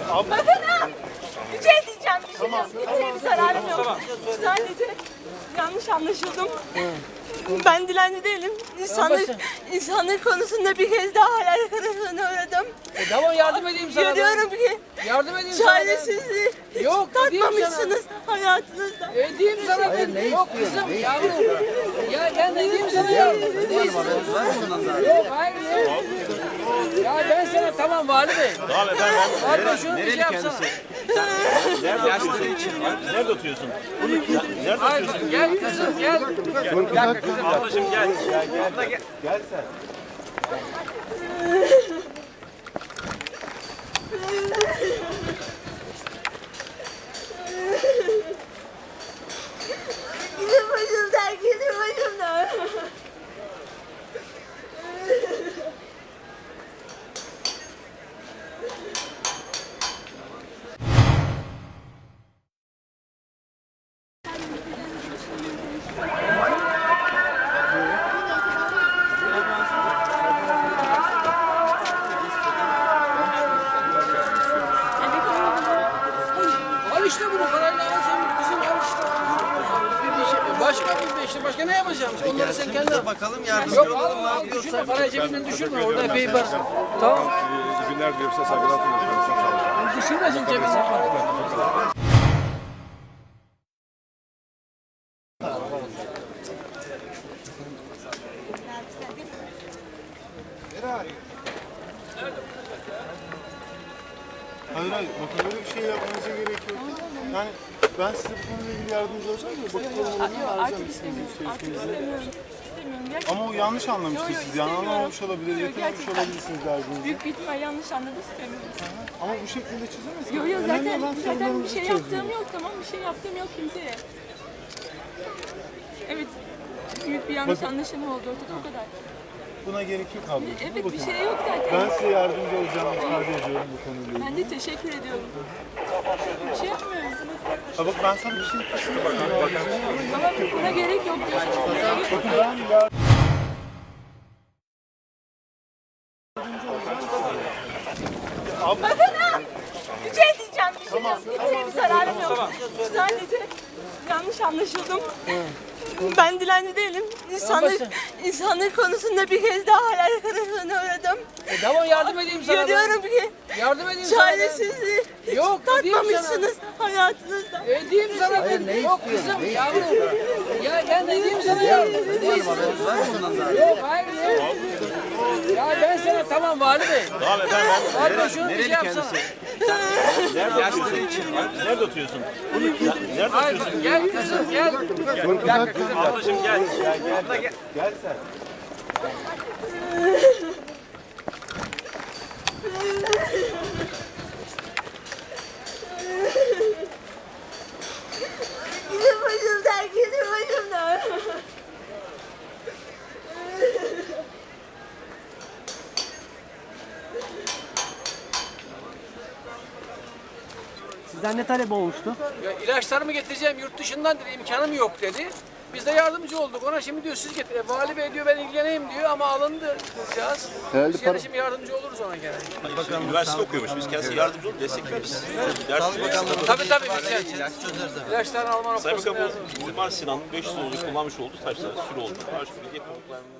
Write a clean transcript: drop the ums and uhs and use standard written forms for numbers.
Bakın ha! Bir şey diyeceğim, bir şey yok. Kimseye bir zararım yok. Sadece yanlış anlaşıldım. Ben dilenci değilim. İnsanlık konusunda bir kez daha hayal kırıklığına uğradım. Tamam yardım edeyim sana. Görüyorum ki Yardım edeyim sana. çaresizliği hiç Yok, edeyim tatmamışsınız hayatınızda. Edeyim sana ben. Yok kızım yavrum. Ya ben edeyim sana ya. Yok hayır yok. Ya ben sana tamam Vali Bey. Vali Bey şunu bir şey yapsana. Nerede oturuyorsun? Nerede Hayır oturuyorsun? gel kızım gel. Bir dakika kızım. Ablacığım gel. Abla gel. Gel sen. Gidin başımdan, gidin başımdan. Al işte bunu parayla alacağım. Kızım al işte. Başka ne yapacağım? Onları sen kendin Bakalım yardımcı Yok olalım. al düşürme parayı cebinden düşürme orada epey var. Tamam. İyi günler diliyorum size, saygılar sunuyorum. Düşürmesin cebinden parayı. Hayır hayır, bakın öyle bir şey yapmanıza gerek yok. Yani ben size bu konuyla ilgili yardımcı olacağım da bakın olanlarını Artık istemiyorum, artık istemiyorum. Gerçekten. Ama o yanlış anlamıştır Yok, siz. Yani istemiyorum. anlamamış olabilir, Yok, yakalamış gerçekten. olabilirsiniz derdinizi. Büyük bir ihtimal yanlış anladı, istemiyorum. Ama bu şekilde çözemezsiniz. Yok yok Önemli zaten olan bir sorunlarınızı şey çözmek. yaptığım yok, tamam, bir şey yaptığım yok kimseye. Evet, büyük bir yanlış anlaşılma oldu ortada, o kadar. Buna gerek yok ablacığım. Evet, Bakın, bir şey yok zaten. ben size yardımcı olacağımı ifade ediyorum bu konuyla ilgili. Ben de teşekkür ediyorum. Bir şey yapmıyorum. Ha bak ben sana bir şey Ama buna gerek yok diyorsunuz. Bakın ben yardımcı Bakın ha! Bir şey diyeceğim, bir şey yok. Kimseye bir zararım yok. Sadece yanlış anlaşıldım. Ben dilenci değilim. İnsanlık konusunda bir kez daha hayal kırıklığına uğradım. Tamam yardım edeyim sana. Görüyorum ki Yardım edeyim sana. çaresizliği hiç Yok, edeyim tatmamışsınız hayatınızda. Edeyim sana ben. Yok kızım yavrum. Ya ben edeyim sana ya. Edeyim sana. Yok hayır yok. Ya ben sana tamam Vali Bey. Vali Bey şunu bir şey yapsana. Nerede oturuyorsun? Nerede Hayır oturuyorsun? gel kızım gel. Bir dakika kızım. Ablacığım gel. Abla gel. Gel sen. Gidin başımdan, gidin başımdan. Sizden ne talep olmuştu? Ya ilaçlarımı getireceğim yurt dışından dedi imkanım yok dedi. Biz de yardımcı olduk ona şimdi diyor siz getirin. Vali Bey diyor ben ilgileneyim diyor ama alındı kızcağız. Biz gene şimdi yardımcı oluruz ona gene. Üniversite okuyormuş. Biz kendisi yardımcı olup destekleriz. Tabii biz yani. İlaçlarını alma Sayın noktasında Bakan yardım. bu Mimar Sinan'ın 500 yıllık kullanmış olduğu taşlar sürü oldu. Her türlü yapıldıklarını